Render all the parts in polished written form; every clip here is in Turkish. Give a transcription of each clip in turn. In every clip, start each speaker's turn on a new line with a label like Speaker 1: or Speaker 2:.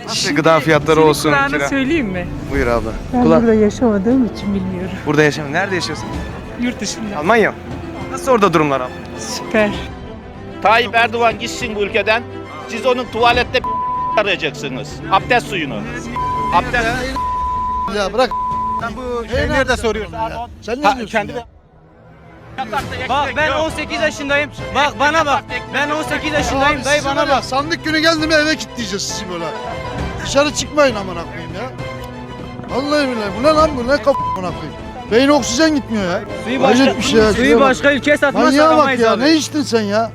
Speaker 1: Nasıl gıda fiyatları olsun?
Speaker 2: Kulağını söyleyeyim mi?
Speaker 1: Buyur abla.
Speaker 2: Ben burada yaşamadığım için bilmiyorum.
Speaker 1: Burada yaşamıyor. Nerede yaşıyorsun?
Speaker 2: Yurt dışında.
Speaker 1: Almanya. Nasıl orada durumlar abla?
Speaker 2: Süper.
Speaker 3: Tayyip Erdoğan gitsin bu ülkeden. Siz onun tuvalette arayacaksınız. Abdest suyunu. Abdest.
Speaker 4: Ya bırak.
Speaker 1: Sen bu
Speaker 4: Nerede soruyorsun ya? Sen ne diyorsun
Speaker 3: Kendi
Speaker 4: ya?
Speaker 5: Bak ben 18 yaşındayım. Bak bana bak. Ben 18 yaşındayım. Dayı
Speaker 4: Sizi
Speaker 5: bana
Speaker 4: böyle
Speaker 5: bak.
Speaker 4: Sandık günü geldi mi eve kilitleyeceğiz sizi böyle. Dışarı çıkmayın amına koyayım ya. Vallahi billahi bu ne lan bu ne amına koyayım. Beyin oksijen gitmiyor ya.
Speaker 5: Suyu
Speaker 4: Hayret
Speaker 5: başka,
Speaker 4: bir şey ya,
Speaker 5: suyu
Speaker 4: şuraya bak.
Speaker 5: başka ülkeye satmazsak
Speaker 4: Manyağa bak
Speaker 5: alamayız
Speaker 4: ya
Speaker 5: abi.
Speaker 4: ne içtin sen ya?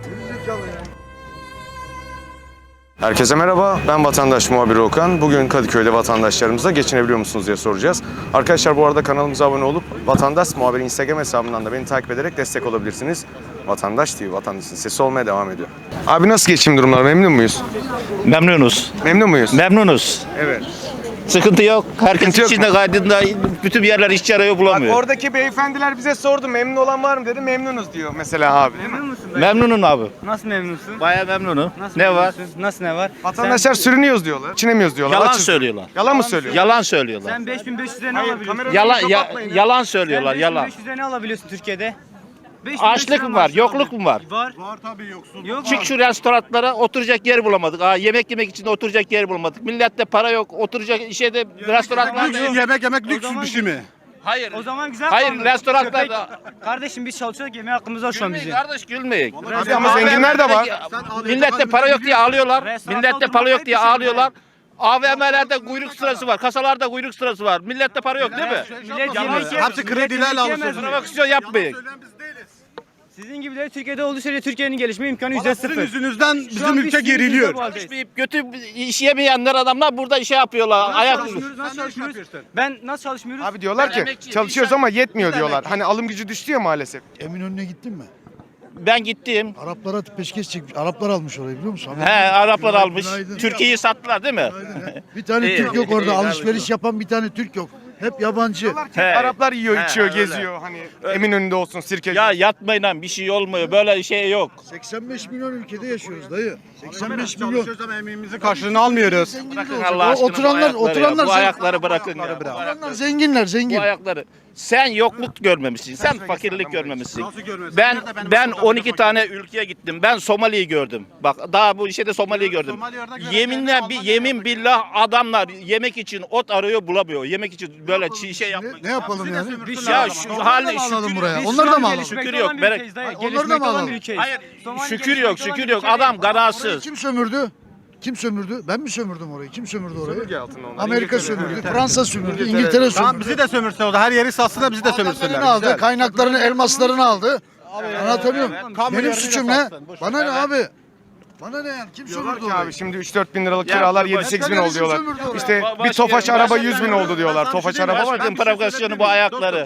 Speaker 1: Herkese merhaba, ben vatandaş muhabiri Okan. Bugün Kadıköy'de vatandaşlarımıza geçinebiliyor musunuz diye soracağız. Arkadaşlar bu arada kanalımıza abone olup Vatandaş Muhabiri Instagram hesabından da beni takip ederek destek olabilirsiniz. Vatandaş TV, vatandaşın sesi olmaya devam ediyor. Abi nasıl geçim durumları, memnun muyuz?
Speaker 3: Memnunuz.
Speaker 1: Memnun muyuz?
Speaker 3: Memnunuz.
Speaker 1: Evet.
Speaker 3: Sıkıntı yok. Herkes
Speaker 1: Sıkıntı yok
Speaker 3: içinde kaydında bütün yerler işçi arıyor
Speaker 1: Bak
Speaker 3: bulamıyor.
Speaker 1: oradaki beyefendiler bize sordu, memnun olan var mı dedi, memnunuz diyor mesela abi.
Speaker 5: Memnun musun dayı?
Speaker 3: Memnunum abi.
Speaker 5: Nasıl memnunsun?
Speaker 3: Bayağı memnunum.
Speaker 5: Nasıl
Speaker 3: Ne var?
Speaker 5: memnunsun? Nasıl ne var?
Speaker 1: Vatandaşlar sürünüyoruz diyorlar, geçinemiyoruz diyorlar.
Speaker 3: Yalan
Speaker 1: açız.
Speaker 3: söylüyorlar.
Speaker 1: Yalan mı söylüyor?
Speaker 3: Yalan söylüyorlar.
Speaker 5: Sen 5500 lira ne
Speaker 1: Hayır,
Speaker 5: alabiliyorsun?
Speaker 1: kamerayı
Speaker 3: Yalan
Speaker 1: kapatmayın ya.
Speaker 3: yalan söylüyorlar.
Speaker 5: Sen
Speaker 3: Yalan.
Speaker 5: 5500 lira ne alabiliyorsun Türkiye'de? 5500
Speaker 3: Açlık
Speaker 5: lira
Speaker 3: mı var?
Speaker 5: maaş
Speaker 3: Yokluk mu var?
Speaker 5: Var.
Speaker 4: Var tabii yoksun.
Speaker 5: Yok
Speaker 3: Çık şu restoranlara oturacak yer bulamadık. Yemek yemek için de oturacak yer bulamadık. Millette para yok. Oturacak şeyde restoranlarda yok.
Speaker 4: Yemek
Speaker 5: lüks bir şey
Speaker 4: mi?
Speaker 3: Hayır.
Speaker 5: O zaman güzel
Speaker 3: Hayır,
Speaker 5: kaldı.
Speaker 3: restoranlarda-
Speaker 5: Köpek- Kardeşim biz çalışıyoruz yemeğe hakkımız var şu an
Speaker 3: Gülmeyin
Speaker 5: bizim.
Speaker 3: kardeş gülmeyin.
Speaker 1: Abi ama zenginler de var.
Speaker 3: Millette para yok diye ağlıyorlar.
Speaker 5: Restoran
Speaker 3: Millette
Speaker 5: oturmak
Speaker 3: para yok
Speaker 5: hep
Speaker 3: diye
Speaker 5: bir şey
Speaker 3: ağlıyorlar. AVM'lerde kuyruk sırası var. Kasalarda kuyruk sırası var. Millette para yok değil mi?
Speaker 5: Millet
Speaker 3: Yalan
Speaker 5: yemek
Speaker 3: söylüyor.
Speaker 5: Hepsi kredilerle alışıyor.
Speaker 3: Provokasyon yapmayın.
Speaker 5: Sizin gibileri Türkiye'de olduğu sürece Türkiye'nin gelişme imkanı %0.
Speaker 4: yüzünüzden
Speaker 5: Şu an biz sizin yüzünüzde bu haldeyiz.
Speaker 3: Çalışmayıp kötü iş yemeyenler adamlar burada işe yapıyorlar. Ayak
Speaker 5: Nasıl çalışmıyoruz? Ben nasıl çalışmıyoruz?
Speaker 1: Abi diyorlar
Speaker 3: Ben
Speaker 1: ki
Speaker 3: emekçiyim,
Speaker 1: çalışıyoruz
Speaker 3: inşaat-
Speaker 1: ama yetmiyor diyorlar. Hani alım gücü düştü ya maalesef.
Speaker 4: Eminönü'ne gittin mi?
Speaker 3: Ben gittim.
Speaker 4: Araplara peşkeş çekmiş. Araplar almış orayı biliyor musun?
Speaker 3: He, Araplar almış.
Speaker 4: Günaydın.
Speaker 3: Türkiye'yi sattılar değil mi?
Speaker 4: Bir tane
Speaker 3: İyi,
Speaker 4: Türk yok
Speaker 3: iyi,
Speaker 4: orada.
Speaker 3: iyi,
Speaker 4: Alışveriş yapan bir tane Türk yok. Hep yabancı.
Speaker 1: Diyorlar ki
Speaker 3: He.
Speaker 1: Araplar yiyor,
Speaker 3: He,
Speaker 1: içiyor,
Speaker 3: öyle.
Speaker 1: geziyor. Hani Eminönü'nde olsun, sirkeci.
Speaker 3: Ya yatmayın lan bir şey olmuyor. Böyle şey yok.
Speaker 4: 85 milyon ülkede yaşıyoruz dayı. 85 milyon.
Speaker 6: Ama emeğimizin karşılığını almıyoruz.
Speaker 4: Zengin
Speaker 3: Bırakın
Speaker 4: olacak.
Speaker 3: Allah aşkına
Speaker 4: Oturanlar,
Speaker 3: bu ayakları ya.
Speaker 4: oturanlar,
Speaker 3: Bu ayakları bırakın ya. Bu
Speaker 4: oturanlar
Speaker 3: ayakları.
Speaker 4: zenginler, zengin.
Speaker 3: Bu ayakları. Sen yokluk görmemişsin. Sen fakirlik görmemişsin.
Speaker 6: Nasıl görmezsin?
Speaker 3: Ben
Speaker 6: Nerede benim
Speaker 3: ben
Speaker 6: sokakta
Speaker 3: 12
Speaker 6: fakir?
Speaker 3: tane ülkeye gittim. Ben Somali'yi gördüm. Bak daha bu işe de Somali'yi gördüm.
Speaker 6: Somali örnek veren
Speaker 3: Yeminle
Speaker 6: yerine
Speaker 3: bir
Speaker 6: Almanya
Speaker 3: yemin
Speaker 6: örnek
Speaker 3: billah adamlar yemek için ot arıyor bulamıyor. Yemek için böyle şey yapmak.
Speaker 4: Ne yapalım yani?
Speaker 3: Ya şu hali
Speaker 4: alalım buraya.
Speaker 5: Biz
Speaker 4: Onları
Speaker 5: şu
Speaker 4: da
Speaker 5: an
Speaker 4: mı alalım?
Speaker 5: gelişmekte
Speaker 3: Şükür yok,
Speaker 5: olan bir
Speaker 3: berek-
Speaker 5: ülkeyiz dayı.
Speaker 4: Onları da mı
Speaker 5: Gelişmekte olan
Speaker 4: alalım?
Speaker 5: bir ülkeyiz.
Speaker 3: Hayır,
Speaker 5: Somali
Speaker 3: şükür
Speaker 5: gelişmekte
Speaker 3: yok,
Speaker 5: olan
Speaker 3: şükür
Speaker 5: bir
Speaker 3: yok.
Speaker 5: ülke
Speaker 3: Adam
Speaker 5: değil.
Speaker 3: ganarsız.
Speaker 4: Kim sömürdü? Kim sömürdü? Ben mi sömürdüm orayı? Kim sömürdü orayı?
Speaker 1: Sömürge altında onlar.
Speaker 4: Amerika
Speaker 1: İngiltere.
Speaker 4: sömürdü, Fransa sömürdü, İngiltere
Speaker 6: Tamam
Speaker 4: sömürdü.
Speaker 6: bizi de sömürse o da her yeri satsın da bizi de
Speaker 4: Madenlerini
Speaker 6: sömürsünler.
Speaker 4: aldı,
Speaker 6: Güzel.
Speaker 4: kaynaklarını, elmaslarını aldı. Anlatabiliyor muyum?
Speaker 6: Kamu
Speaker 4: Benim
Speaker 6: yerine
Speaker 4: suçum ne?
Speaker 6: satsın, boş ver.
Speaker 4: Bana ne abi? Bana ne yani? Kim
Speaker 1: Diyorlar
Speaker 4: sömürdü
Speaker 1: ki
Speaker 4: orayı?
Speaker 1: abi şimdi 3-4 bin liralık
Speaker 3: Ya,
Speaker 1: kiralar
Speaker 3: baş-
Speaker 1: 7-8 bin oldu
Speaker 4: Başka
Speaker 1: diyorlar.
Speaker 4: birisi sömürdü
Speaker 1: İşte
Speaker 3: orayı.
Speaker 1: bir Tofaş
Speaker 3: Başka-
Speaker 1: araba
Speaker 3: başka-
Speaker 1: 100 bin oldu diyorlar. Tofaş araba var.
Speaker 3: Başkanın provokasyonu bu ayakları.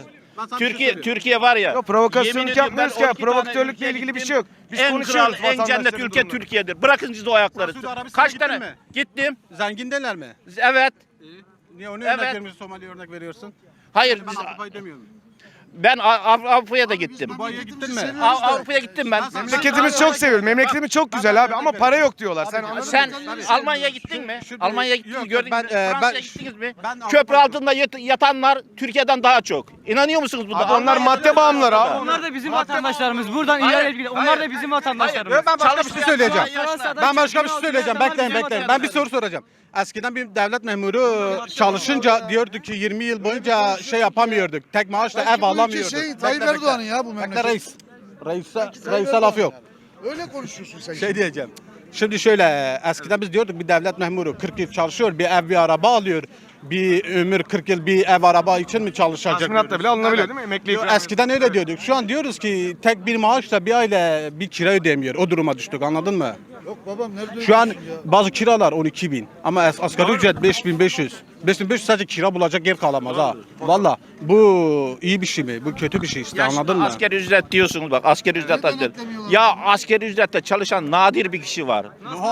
Speaker 3: Türkiye var ya.
Speaker 1: Yok provokasyonluk
Speaker 3: yemin ediyorum
Speaker 1: yapmıyoruz
Speaker 3: ben
Speaker 1: ki.
Speaker 3: 12 tane
Speaker 1: Provokatörlükle
Speaker 3: ülkeye
Speaker 1: ilgili bir
Speaker 3: gittim.
Speaker 1: şey yok. Biz
Speaker 3: En
Speaker 1: konuşuyoruz
Speaker 3: kral, en cennet
Speaker 1: vatandaşların
Speaker 3: ülke
Speaker 1: durumunu.
Speaker 3: Türkiye'dir. Bırakın siz o ayakları.
Speaker 6: Suudi Arabistan'a
Speaker 3: Kaç
Speaker 6: gittin
Speaker 3: tane?
Speaker 6: mi?
Speaker 3: Gittim.
Speaker 6: Zengindeler mi?
Speaker 3: Evet.
Speaker 6: Niye onu
Speaker 3: Evet.
Speaker 6: örnek vermiyorsun, Somali'ye örnek veriyorsun?
Speaker 3: Hayır
Speaker 6: Ben
Speaker 3: biz,
Speaker 6: Avrupa'yı demiyorum.
Speaker 3: ben Avrupa'ya da gittim.
Speaker 6: Dubai'ye gittin mi?
Speaker 3: Avrupa'ya gittim ben.
Speaker 1: Memleketimiz çok seviyoruz. Memleketimiz çok güzel abi ama para yok diyorlar. Sen anladın mı?
Speaker 3: Sen Almanya'ya gittin mi? Almanya'ya gittiniz
Speaker 6: Yok,
Speaker 3: gördünüz
Speaker 6: ben,
Speaker 3: mü?
Speaker 6: ben-
Speaker 3: Fransa'ya gittiniz mi?
Speaker 6: ben
Speaker 3: Köprü
Speaker 6: Avrupa'ya-
Speaker 3: altında yatanlar Türkiye'den daha çok. İnanıyor musunuz buna?
Speaker 1: Abi onlar madde bağımlıları abi.
Speaker 5: Onlar da bizim vatandaşlarımız. Buradan ilerle ilgili. Onlar da bizim vatandaşlarımız.
Speaker 6: Ben başka bir şey söyleyeceğim.
Speaker 5: Fransa'dan
Speaker 6: Ben başka bir şey
Speaker 5: çıkıyor,
Speaker 6: söyleyeceğim.
Speaker 5: onlar
Speaker 6: Bekleyin
Speaker 5: bizim
Speaker 6: bekleyin. Ben bir soru soracağım. Eskiden bir devlet memuru çalışınca diyordu ki 20 yıl boyunca şey yapamıyorduk. Tek maaşla ev
Speaker 4: Bu ülke
Speaker 6: alamıyorduk.
Speaker 4: şey, Tayyip
Speaker 6: Bekle,
Speaker 4: Erdoğan'ın
Speaker 6: bekle.
Speaker 4: ya bu
Speaker 6: Bekle
Speaker 4: memleket.
Speaker 6: reis. Reis'e laf yok.
Speaker 4: Öyle konuşuyorsun sen.
Speaker 6: Şey diyeceğim. Şimdi şöyle eskiden biz diyorduk bir devlet memuru 40 yıl çalışıyor, bir ev bir araba alıyor. Bir ömür 40 yıl bir ev araba için mi çalışacak?
Speaker 1: Tazminatla
Speaker 6: diyoruz.
Speaker 1: bile alınabiliyor
Speaker 6: Evet.
Speaker 1: değil mi? Emekli
Speaker 6: Yo,
Speaker 1: ikramiye.
Speaker 6: eskiden öyle diyorduk. Şu an diyoruz ki tek bir maaşla bir aile bir kira ödeyemiyor. O duruma düştük anladın mı?
Speaker 4: Yok babam nerede
Speaker 6: Şu an
Speaker 4: öyle ya?
Speaker 6: bazı kiralar 12 bin ama asgari ücret 5500. 5500 sadece kira bulacak yer kalamaz ha. Valla bu iyi bir şey mi? Bu kötü bir şey işte anladın mı?
Speaker 3: Asgari ücret diyorsunuz bak asgari ücret
Speaker 4: Neden
Speaker 3: asgari.
Speaker 4: eklemiyorlar?
Speaker 3: Ya asgari ücrette çalışan nadir bir kişi var.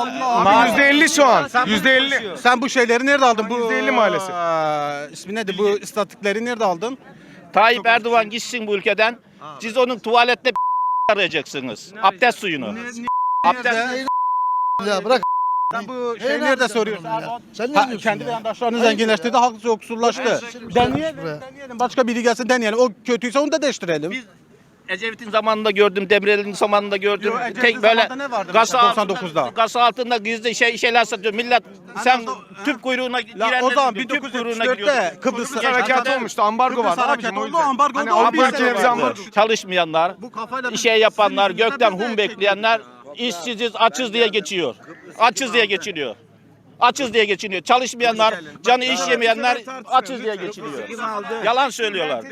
Speaker 1: Abi %50 şu an. %50.
Speaker 6: Sen bu şeyleri nerede aldın? Bu
Speaker 1: %50 maalesef.
Speaker 6: İsmi nedir? Bu istatikleri nerede aldın?
Speaker 3: Tayyip Erdoğan gitsin bu ülkeden. Siz onun tuvalette arayacaksınız. Abdest suyunu. Abdest
Speaker 4: Ya bırak
Speaker 6: Sen bu
Speaker 4: Neyi
Speaker 6: şey nerede
Speaker 4: yapacaksın
Speaker 6: soruyorsun?
Speaker 4: bunu ya?
Speaker 6: Erdoğan?
Speaker 4: Sen ne
Speaker 6: Ha,
Speaker 4: diyorsun
Speaker 6: kendi
Speaker 4: ya?
Speaker 6: vatandaşlarını zenginleştirdi, halk yoksullaştı. Deneyelim, deneyelim. Başka biri gelsin deneyelim. O kötüyse onu da değiştirelim.
Speaker 3: Biz Ecevit'in zamanında gördüm, Demirel'in zamanında gördüm.
Speaker 6: Yo, Ecevit'in
Speaker 3: Tek böyle
Speaker 6: zamanında ne vardı
Speaker 3: gasa
Speaker 6: mesela
Speaker 3: altında,
Speaker 6: 99'da?
Speaker 3: gasa altında gizli şeyler satıyor. Millet sen tüp kuyruğuna girenler
Speaker 6: o zaman
Speaker 3: tüp kuyruğuna giriyordu.
Speaker 6: 1974'te Kıbrıs
Speaker 1: Harekat olmuştu. Ambargo
Speaker 6: Kıbrıs
Speaker 1: vardı abicim
Speaker 6: harekatı
Speaker 1: o
Speaker 6: oldu,
Speaker 1: yüzden.
Speaker 6: ambargo
Speaker 1: Hani
Speaker 6: oldu,
Speaker 1: Avrupa
Speaker 6: bir sene
Speaker 1: ülkelerimize
Speaker 6: vardı.
Speaker 1: ambargo.
Speaker 3: Çalışmayanlar,
Speaker 6: Bu kafayla
Speaker 3: işe yapanlar,
Speaker 6: sizin
Speaker 3: gökten
Speaker 6: yüzünüzden
Speaker 3: hum
Speaker 6: tek
Speaker 3: bekleyenler, işsiziz, açız diye geçiyor. Açız diye geçiniyor. Açız diye geçiniyor. Çalışmayanlar, canı iş yemeyenler açız diye geçiniyor. Yalan söylüyorlar.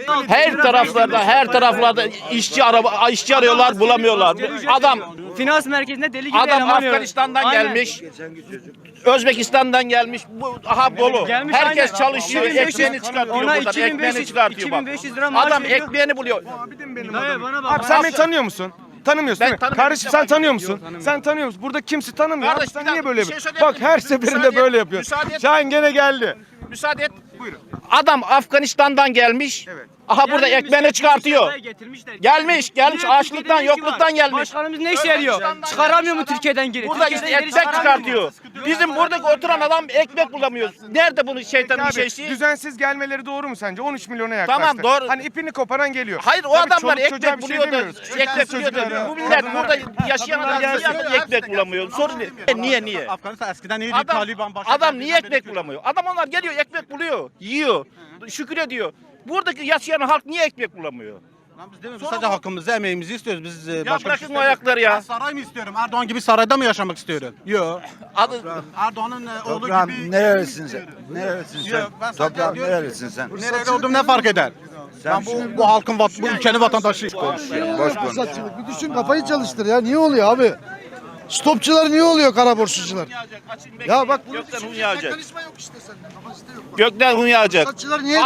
Speaker 3: Her taraflarda işçi arıyorlar, bulamıyorlar. Adam
Speaker 5: Finans merkezinde deli gibi
Speaker 3: Adam
Speaker 5: eleman arıyor.
Speaker 3: Afganistan'dan
Speaker 5: Aynen.
Speaker 3: gelmiş. Özbekistan'dan gelmiş. Bu aha dolu.
Speaker 5: Gelmiş,
Speaker 3: Herkes
Speaker 5: aynen.
Speaker 3: çalışıyor,
Speaker 5: 2500
Speaker 3: ekmeğini çıkartıyor
Speaker 5: ona
Speaker 3: buradan.
Speaker 5: 2500
Speaker 3: Ekmeğini çıkartıyor bak.
Speaker 5: 2500 lira maaş
Speaker 3: Adam
Speaker 5: veriyor.
Speaker 3: ekmeğini buluyor.
Speaker 5: Dayı bana bak.
Speaker 1: Abi sen beni tanıyor musun? Tanımıyorsun
Speaker 3: Ben
Speaker 1: değil mi?
Speaker 3: tanımıyorum,
Speaker 1: Kardeşim
Speaker 3: ilk
Speaker 1: sen
Speaker 3: defa
Speaker 1: tanıyor
Speaker 3: görüyorum.
Speaker 1: musun? Sen tanıyor musun? Burada kimse tanımıyor.
Speaker 3: Kardeş,
Speaker 1: Abi sen
Speaker 3: bir
Speaker 1: niye
Speaker 3: dakika,
Speaker 1: böyle
Speaker 3: bir şey
Speaker 1: yapıyorsun?
Speaker 3: söyleyebilir
Speaker 1: Bak her
Speaker 3: miyim?
Speaker 1: seferinde
Speaker 3: Müsaade
Speaker 1: böyle
Speaker 3: et,
Speaker 1: yapıyorsun.
Speaker 3: müsaade et.
Speaker 1: Şahin gene geldi.
Speaker 3: Müsaade et.
Speaker 1: Buyurun.
Speaker 3: Adam Afganistan'dan gelmiş.
Speaker 1: Evet.
Speaker 3: Aha burada ekmeğini çıkartıyor.
Speaker 5: Getirmişler.
Speaker 3: Gelmiş,
Speaker 5: Niye
Speaker 3: açlıktan,
Speaker 5: Türkiye'de ne işi
Speaker 3: yokluktan
Speaker 5: var?
Speaker 3: gelmiş.
Speaker 5: Başkanımız ne işe yarıyor?
Speaker 3: Özbekistan'dan
Speaker 5: Çıkaramıyor mu
Speaker 3: gelmiş
Speaker 5: Türkiye'den geri?
Speaker 3: Burada
Speaker 5: Türkiye'den
Speaker 3: işte
Speaker 5: geri
Speaker 3: ekmek
Speaker 5: çıkaramıyor mu?
Speaker 3: çıkartıyor. Bizim buradaki oturan adam ekmek bulamıyor. Nerede bunun şeytanın
Speaker 1: Abi,
Speaker 3: şeysi?
Speaker 1: düzensiz gelmeleri doğru mu sence? 13 milyona yaklaştı.
Speaker 3: Tamam, doğru.
Speaker 1: Hani ipini koparan geliyor.
Speaker 3: Hayır o
Speaker 1: Tabii
Speaker 3: adamlar
Speaker 1: çoluk çocuğa
Speaker 3: ekmek
Speaker 1: bir şey
Speaker 3: buluyor da
Speaker 1: demiyoruz.
Speaker 3: ekmek buluyor
Speaker 1: Çocuklara,
Speaker 3: da bu millet
Speaker 1: kadınlara.
Speaker 3: burada yaşayan adam niye ekmek bulamıyor? Sorun ne? Niye?
Speaker 6: Afganistan eskiden iyiydi.
Speaker 3: Adam,
Speaker 6: Taliban başladı.
Speaker 3: adam niye ekmek bulamıyor? Adam onlar geliyor ekmek buluyor, yiyor, şükür ediyor. Buradaki yaşayan halk niye ekmek bulamıyor?
Speaker 6: Lan biz demiyoruz, sadece hakkımızı, emeğimizi istiyoruz. Biz başka bir şey
Speaker 3: bırakın o
Speaker 6: istemiyoruz.
Speaker 3: ayakları ya.
Speaker 6: Ben saray mı istiyorum? Erdoğan gibi sarayda mı yaşamak istiyorum? Yok.
Speaker 3: Adı,
Speaker 6: Erdoğan'ın oğlu
Speaker 7: Toprağım
Speaker 6: gibi...
Speaker 7: nerelisin sen? Nerelisin sen?
Speaker 6: Yok, ben sadece
Speaker 7: Toprağım
Speaker 6: diyorum ki-
Speaker 7: nerelisin sen?
Speaker 6: Nereli olduğum ne fark eder? Ben bu halkın, bu ülkenin vatandaşıyım.
Speaker 7: Boş konuş.
Speaker 4: Fırsatçılık. Bir düşün kafayı çalıştır ya. Niye oluyor abi? Stopçular niye oluyor kara borsacılar? Ya bak bunu
Speaker 3: gökten
Speaker 4: düşün.
Speaker 3: hun yağacak.
Speaker 4: Mekanizma yok işte sende. Kapasite yok.
Speaker 3: Gökten hun yağacak.
Speaker 4: Fırsatçılar niye?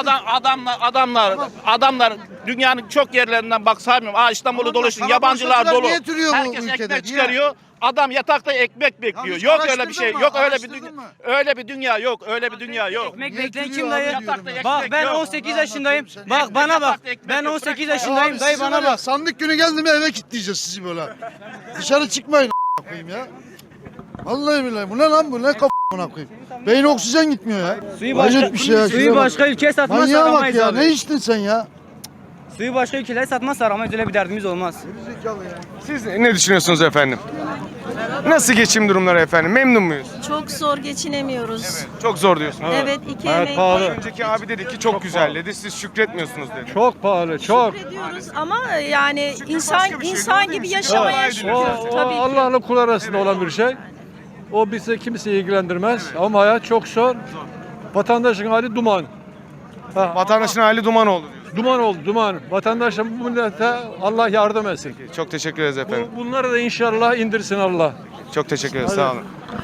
Speaker 3: Adamlar dünyanın çok yerlerinden bak saymıyorum. İstanbul'u
Speaker 4: Tamam,
Speaker 3: doluşun,
Speaker 4: bak,
Speaker 3: yabancılar
Speaker 4: fırsatçılar
Speaker 3: dolu.
Speaker 4: niye türüyor bu
Speaker 3: Herkes
Speaker 4: ülkede?
Speaker 3: ekmek
Speaker 4: Niye?
Speaker 3: çıkarıyor. Adam yatakta ekmek bekliyor.
Speaker 4: hiç
Speaker 3: Yok öyle bir
Speaker 4: araştırdın
Speaker 3: şey.
Speaker 4: mı?
Speaker 3: Yok öyle bir
Speaker 4: Araştırdın
Speaker 3: dünya.
Speaker 4: mı?
Speaker 3: Öyle bir dünya yok. Öyle bir dünya yok.
Speaker 5: Ekmek
Speaker 4: Niye
Speaker 5: bekleyen
Speaker 4: türüyor
Speaker 5: kim dayı?
Speaker 4: abi diyorum ya.
Speaker 5: Bak ben
Speaker 3: yok.
Speaker 5: 18 yaşındayım. Bak bana bak. Ben 18 yaşındayım.
Speaker 4: Abi
Speaker 5: Dayı
Speaker 4: sizi
Speaker 5: bana
Speaker 4: var ya,
Speaker 5: bak.
Speaker 4: sandık günü geldi mi eve kilitleyeceğiz sizi böyle. Dışarı çıkmayın koyayım ya. Vallahi billahi bu ne lan bu ne kafana koyayım. Beyin oksijen gitmiyor ya.
Speaker 5: Suyu
Speaker 4: Hayret
Speaker 5: başka,
Speaker 4: bir şey ya.
Speaker 5: suyu
Speaker 4: şuraya bak.
Speaker 5: başka ülkeye satmaz
Speaker 4: Manyağa bak
Speaker 5: aramayız
Speaker 4: ya.
Speaker 5: abi.
Speaker 4: Ne içtin sen ya?
Speaker 5: Suyu başka ülkelere satmaz aramayız, öyle bir derdimiz olmaz.
Speaker 1: Siz ne düşünüyorsunuz efendim? Nasıl geçim durumları efendim? Memnun muyuz?
Speaker 8: Çok zor geçinemiyoruz.
Speaker 1: Çok zor diyorsunuz.
Speaker 8: Evet, iki emek
Speaker 1: Önceki abi dedi ki çok güzel dedi. Siz şükretmiyorsunuz dedi.
Speaker 9: Çok pahalı, çok.
Speaker 8: ediyoruz ama yani insan
Speaker 1: başka bir şey,
Speaker 8: insan
Speaker 1: doğru değil
Speaker 8: gibi
Speaker 1: mi?
Speaker 8: yaşamaya
Speaker 1: O-
Speaker 8: çalışıyoruz
Speaker 9: O
Speaker 8: tabii ki.
Speaker 9: Allah'la kul arasında olan bir şey. O bizi kimseyi ilgilendirmez ama hayat çok zor. Vatandaşın hali duman.
Speaker 1: Vatandaşın hali duman oldu diyor.
Speaker 9: Duman oldu, duman. Vatandaşın bu millete Allah yardım etsin.
Speaker 1: Çok teşekkür ederiz efendim.
Speaker 9: Bunları da inşallah indirsin Allah.
Speaker 1: Çok teşekkür ederiz. Sağ olun.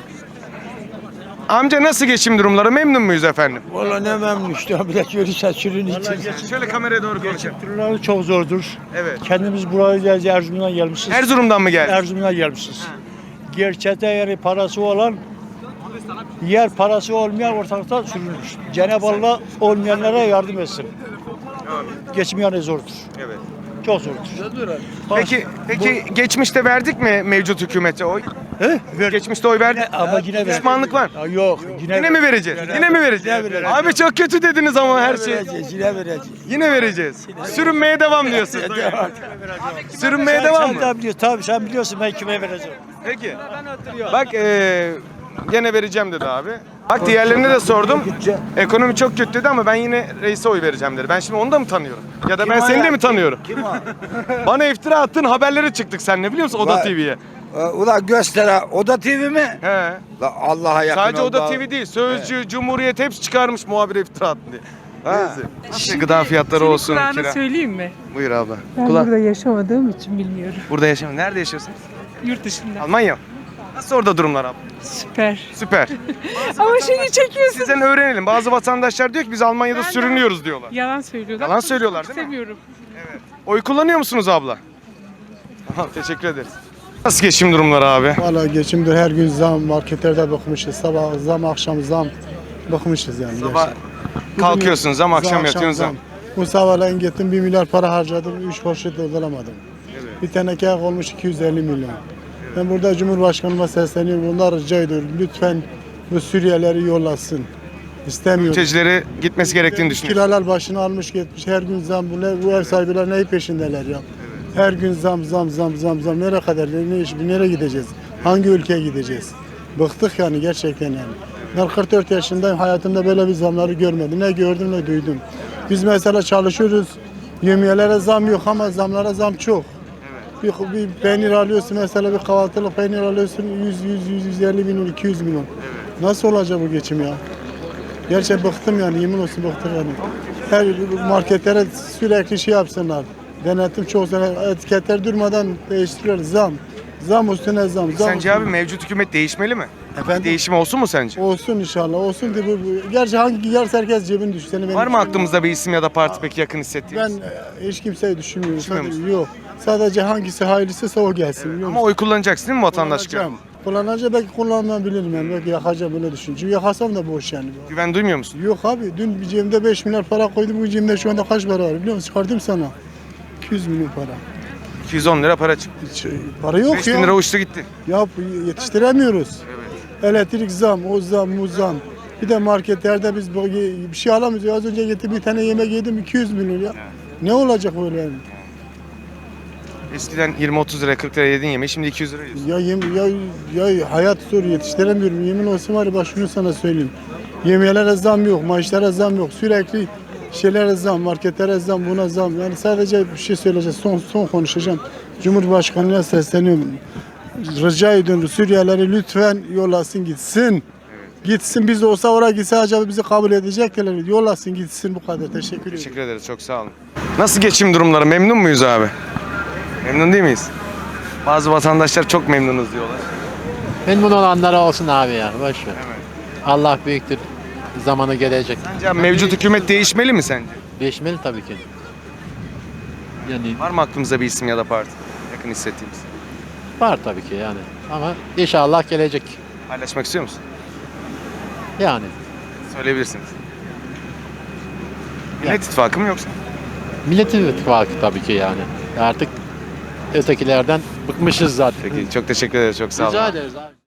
Speaker 1: Amca nasıl geçim durumları? Memnun muyuz efendim?
Speaker 10: Valla ne memnun işte bir de görü saçının için.
Speaker 1: Şöyle kameraya doğru konuşalım.
Speaker 10: Türleri çok zordur.
Speaker 1: Evet.
Speaker 10: Kendimiz buraya geleceğiz, Erzurum'dan gelmişiz.
Speaker 1: Erzurum'dan mı geldin?
Speaker 10: Erzurum'dan gelmişiz. Gerçekte yeri parası olan yer parası olmayan ortalıkta sürülür. Cenab-ı Allah olmayanlara yardım etsin. Geçmeyen zordur.
Speaker 1: Evet.
Speaker 10: Çok zordur.
Speaker 1: Peki geçmişte verdik mi mevcut hükümete oy?
Speaker 10: He?
Speaker 1: Geçmişte oy verdik.
Speaker 10: Ama yine
Speaker 1: Pişmanlık var.
Speaker 10: Ya yok.
Speaker 1: Yine mi vereceğiz? Yine mi vereceğiz?
Speaker 10: Yine vereceğiz.
Speaker 1: Abi çok kötü dediniz ama her şey.
Speaker 10: Yine vereceğiz.
Speaker 1: Yine vereceğiz. Sürünmeye devam diyorsun. Sürünmeye devam
Speaker 10: Sen
Speaker 1: mı?
Speaker 10: de biliyorsun. Tabii sen biliyorsun ben kime vereceğim.
Speaker 1: Peki. Bak gene vereceğim dedi abi. Bak diğerlerine de sordum. Ekonomi çok kötü dedi ama ben yine reise oy vereceğim dedi. Ben şimdi onu da mı tanıyorum? Ya da ben seni de mi tanıyorum?
Speaker 7: Kim o?
Speaker 1: Bana iftira attın, haberlere çıktık seninle biliyor musun Oda
Speaker 7: Vay.
Speaker 1: TV'ye.
Speaker 7: Ulan göster ha. Oda TV mi?
Speaker 1: He.
Speaker 7: La Allah'a yakın
Speaker 1: Sadece
Speaker 7: ol
Speaker 1: Oda
Speaker 7: da-
Speaker 1: TV değil, Sözcü, Cumhuriyet hepsi çıkarmış muhabire iftira attı diye.
Speaker 7: Ha.
Speaker 1: Neyse. İşte gıda fiyatları
Speaker 2: Senin
Speaker 1: olsun.
Speaker 2: kulağına
Speaker 1: Kira.
Speaker 2: söyleyeyim mi?
Speaker 1: Buyur abla.
Speaker 2: Ben
Speaker 1: Kulak.
Speaker 2: burada yaşamadığım için bilmiyorum.
Speaker 1: Burada yaşamıyor. Nerede yaşıyorsun?
Speaker 2: Yurt dışında.
Speaker 1: Almanya. Nasıl orada durumlar abla?
Speaker 2: Süper.
Speaker 1: Süper.
Speaker 2: Ama şimdi çekiyorsun.
Speaker 1: Sizden öğrenelim. Bazı vatandaşlar diyor ki biz Almanya'da sürünüyoruz diyorlar.
Speaker 2: Yalan söylüyorlar.
Speaker 1: Yalan söylüyorlar değil mi?
Speaker 2: İstemiyorum.
Speaker 1: Oy kullanıyor musunuz abla? Tamam, teşekkür ederiz. Nasıl geçim durumları abi?
Speaker 11: Valla geçimdir her gün zam, marketlerde bakmışız, sabah zam, akşam zam, bakmışız yani.
Speaker 1: Sabah
Speaker 11: gerçekten.
Speaker 1: kalkıyorsunuz zam, akşam
Speaker 11: Akşam
Speaker 1: yatıyorsunuz zam.
Speaker 11: Bu sabahleyin gittim 1 milyar para harcadım, 3 poşet dolduramadım. Bir teneke olmuş 250 milyon. Ben burada Cumhurbaşkanıma sesleniyorum. Onlar rica ediyorum. Lütfen bu Suriyelileri yollasın. İstemiyorum.
Speaker 1: Mültecileri gitmesi gerektiğini düşünüyorum.
Speaker 11: Kiralar başını almış gitmiş. Her gün zam. Bu ev sahipleri neyi peşindeler ya? Her gün zam. Nereye kadar? Nereye gideceğiz? Hangi ülkeye gideceğiz? Bıktık yani gerçekten yani. Ben 44 yaşındayım. Hayatımda böyle bir zamları görmedim. Ne gördüm ne duydum. Biz mesela çalışıyoruz. Yemeğlere zam yok ama zamlara zam çok. Bir peynir alıyorsun mesela, bir kahvaltılık peynir alıyorsun 150 milyon 200 milyon. Nasıl olacak bu geçim ya? Gerçekten bıktım yani, yemin olsun bıktım yani. Her marketlere sürekli şey yapsınlar. Denetim çok sene, etiketler durmadan değiştiriyorlar. Zam üstüne zam.
Speaker 1: Sence abi mevcut hükümet değişmeli mi?
Speaker 11: Efendim?
Speaker 1: Değişim olsun mu sence?
Speaker 11: Olsun inşallah, olsun diye gerçi yarısı herkes cebini düşsün.
Speaker 1: Var mı aklımızda bir isim ya da parti peki yakın hissettiğiniz?
Speaker 11: Ben hiç kimseyi düşünmüyorum.
Speaker 1: Düşünmüyor musun?
Speaker 11: Yok. Sadece hangisi hayırlısıysa o gelsin. biliyor
Speaker 1: Ama
Speaker 11: musun?
Speaker 1: oy kullanacaksın değil mi vatandaşlık?
Speaker 11: Kullanacağım. Kullanacağım, belki kullanmayabilirim yani. Belki yakacağım, böyle düşünüyorum. Çünkü yakasam da boş yani.
Speaker 1: Güven duymuyor musun?
Speaker 11: Yok abi, dün bir cebimde 5 milyar para koydum. Bu cebimde şu anda kaç para var biliyor musun? Çıkardım sana. 200 milyon para.
Speaker 1: 210 lira para çıktı.
Speaker 11: Hiç, para yok
Speaker 1: 5000
Speaker 11: ya.
Speaker 1: lira uçtu gitti.
Speaker 11: Ya yetiştiremiyoruz. Elektrik zam, o zam, bu zam. Bir de marketlerde biz bir şey alamıyoruz. Az önce getirdim bir tane yemek yedim 200 milyon ya. Ne olacak böyle yani?
Speaker 1: Eskiden 20-30 lira 40 lira yediğin yemeği şimdi 200 lira yiyorsun.
Speaker 11: Ya hayat zor, yetiştiremiyorum. Yemin olsun var ya, bak şunu sana söyleyeyim. Yemeğlere zam yok, maaşlara zam yok. Sürekli şeylere zam, marketlere zam, buna zam. Yani sadece bir şey söyleyeceğim, son konuşacağım. Cumhurbaşkanı'na sesleniyorum. Rica ediyorum, Suriyelileri lütfen yollasın gitsin. Gitsin, biz de olsa oraya gitse acaba bizi kabul edecekler. Yollasın gitsin, bu kadar. Teşekkür ederim.
Speaker 1: Teşekkür ederiz, çok sağ olun. Nasıl geçim durumları? Memnun muyuz abi? Memnun değil miyiz? Bazı vatandaşlar çok memnunuz diyorlar.
Speaker 12: Memnun olanlara olsun abi ya, boş ver. Allah büyüktür, zamanı gelecek.
Speaker 1: Sence abi mevcut hükümet değişmeli mi sence?
Speaker 12: Değişmeli tabii ki. Yani
Speaker 1: Var mı aklımızda bir isim ya da parti yakın hissettiğimiz?
Speaker 12: var tabii ki yani. Ama inşallah gelecek.
Speaker 1: Paylaşmak istiyor musun?
Speaker 12: Yani.
Speaker 1: Söyleyebilirsiniz. Millet İttifakı mı yoksa?
Speaker 12: Millet İttifakı tabii ki yani. Artık ötekilerden bıkmışız zaten.
Speaker 1: Peki çok teşekkür ederiz, çok sağ olun.
Speaker 12: Rica ederiz abi.